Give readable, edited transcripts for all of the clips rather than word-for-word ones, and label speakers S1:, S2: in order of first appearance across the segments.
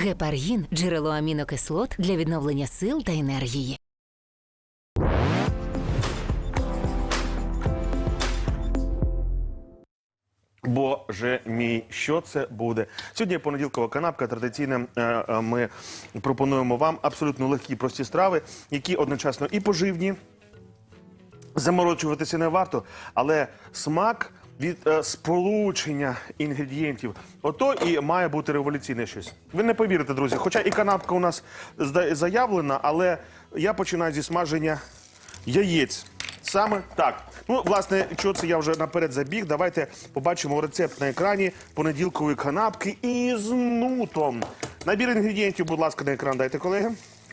S1: Гепаргін – джерело амінокислот для відновлення сил та енергії.
S2: Боже мій, що це буде? Сьогодні понеділкова канапка. Традиційно ми пропонуємо вам абсолютно легкі, прості страви, які одночасно і поживні, заморочуватися не варто, але смак від сполучення інгредієнтів, ото і має бути революційне щось. Ви не повірите, друзі, хоча і канапка у нас заявлена, але я починаю зі смаження яєць. Саме так. Ну, власне, що це я вже наперед забіг. Давайте побачимо рецепт на екрані понеділкової канапки із нутом. Набір інгредієнтів, будь ласка, на екран дайте, колеги.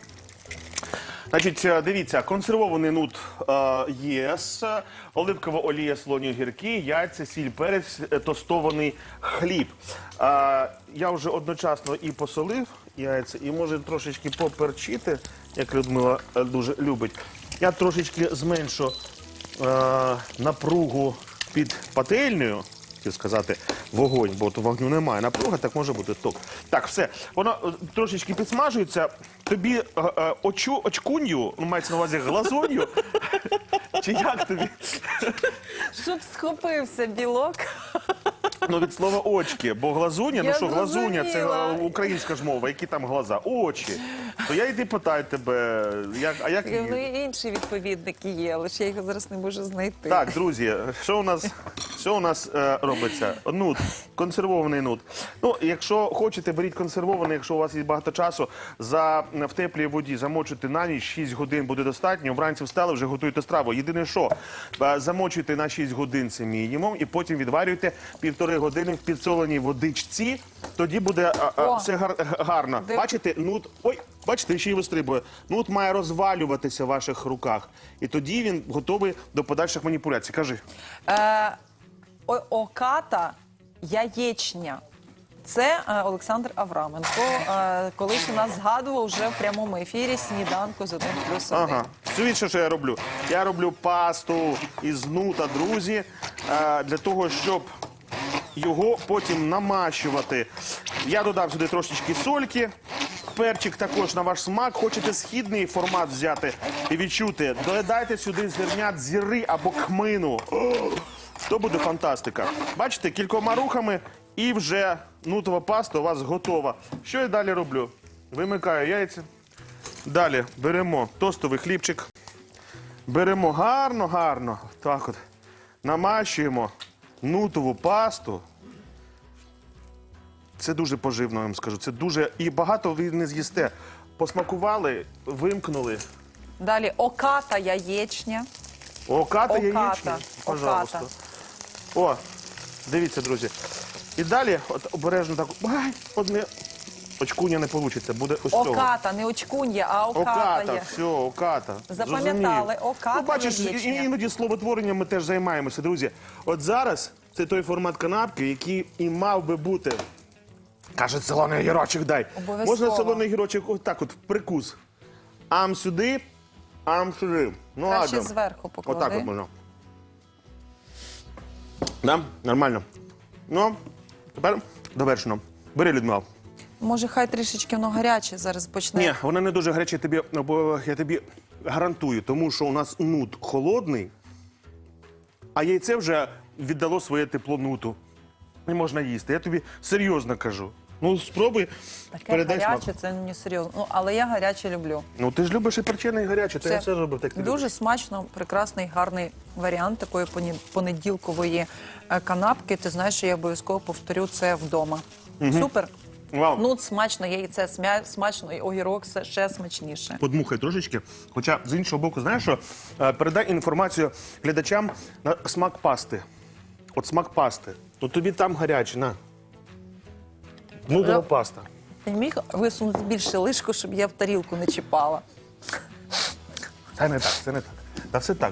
S2: Значить, дивіться, консервований нут єс, оливкова олія, солоні огірки, яйця, сіль, перець, тостований хліб. Я вже одночасно і посолив яйця, і може трошечки поперчити, як Людмила дуже любить. Я трошечки зменшу напругу під пательнею, хотів сказати, вогонь, бо то вогню немає. Напруга, так може бути ток. Так, все. Воно трошечки підсмажується. Тобі очкунью, ну, мається на увазі глазунью, чи як тобі?
S3: Щоб схопився білок.
S2: Ну, від слова очки, бо глазуня, ну що, глазуня, це українська ж мова, які там глаза? Очі. То я йди питаю тебе, а як...
S3: Ну, і інші відповідники є, але ж я їх зараз не можу знайти.
S2: Так, друзі, що у нас робиться? Нут, консервований нут. Ну, якщо хочете, беріть консервований, якщо у вас є багато часу, в теплій воді замочуйте на ніч, 6 годин буде достатньо, вранці встали, вже готуєте страву. Єдине що, замочуйте на 6 годин, це мінімум, і потім відварюйте 1,5 години в підсоленій водичці, тоді буде все гарно. Бачите, нут, бачите, ще й вистрибує. Нут має розвалюватися в ваших руках, і тоді він готовий до подальших маніпуляцій. Кажи.
S3: Оката яєчня. Це Олександр Авраменко. Колись у нас згадував вже в прямому ефірі сніданку з 1+1.
S2: Ага. Дивіться, що я роблю. Я роблю пасту із нута, друзі, для того, щоб його потім намащувати. Я додав сюди трошечки сольки, перчик також на ваш смак. Хочете східний формат взяти і відчути, додайте сюди зернят зіри або кмину. То буде фантастика. Бачите, кількома рухами і вже нутова паста у вас готова. Що я далі роблю? Вимикаю яйця. Далі беремо тостовий хлібчик. Беремо гарно, так от, намащуємо нутову пасту. Це дуже поживно, я вам скажу. Це дуже... І багато ви не з'їсте. Посмакували, вимкнули.
S3: Далі оката яєчня.
S2: Оката яєчня? Пожалуйста. О, дивіться, друзі. І далі, от обережно так, одне очкуня не вийде, буде ось цього.
S3: Оката, не очкун'я, а оката.
S2: Оката, все, оката.
S3: Запам'ятали, оката
S2: ну, бачиш,
S3: яєчня.
S2: Іноді словотворенням ми теж займаємося, друзі. От зараз це той формат канапки, який і мав би бути. Каже, солоний огірочок дай.
S3: Обов'язково.
S2: Можна солоний огірочок отак от, в прикус. Ам сюди, ам сюди. Ну,
S3: Краще
S2: ладно.
S3: зверху поклади.
S2: Отак от можна. Да? Нормально. Ну, тепер довершено. Бери, Людмила.
S3: Може, хай трішечки воно гаряче зараз почне.
S2: Ні, вона не дуже гаряча, я тобі гарантую, тому що у нас нут холодний, а яйце вже віддало своє тепло нуту. Не можна їсти. Я тобі серйозно кажу. Ну, спробуй,
S3: Таке
S2: передай смак.
S3: гаряче, це не серйозно. Ну, але я гаряче люблю.
S2: Ну, ти ж любиш і перчене, і гаряче, то я все робив так.
S3: Дуже смачно, прекрасний, гарний варіант такої понеділкової канапки. Ти знаєш, що я обов'язково повторю це вдома. Супер.
S2: Вау.
S3: Нут смачно, яйце смачно, і огірок ще смачніше.
S2: Подмухай трошечки. Хоча, з іншого боку, знаєш що? Передай інформацію глядачам на смак пасти. От смак пасти. То тобі там гаряче, на. Нутова паста.
S3: Ти міг висунути більше лишку, щоб я в тарілку не чіпала?
S2: Це не так, це не так. Та все так.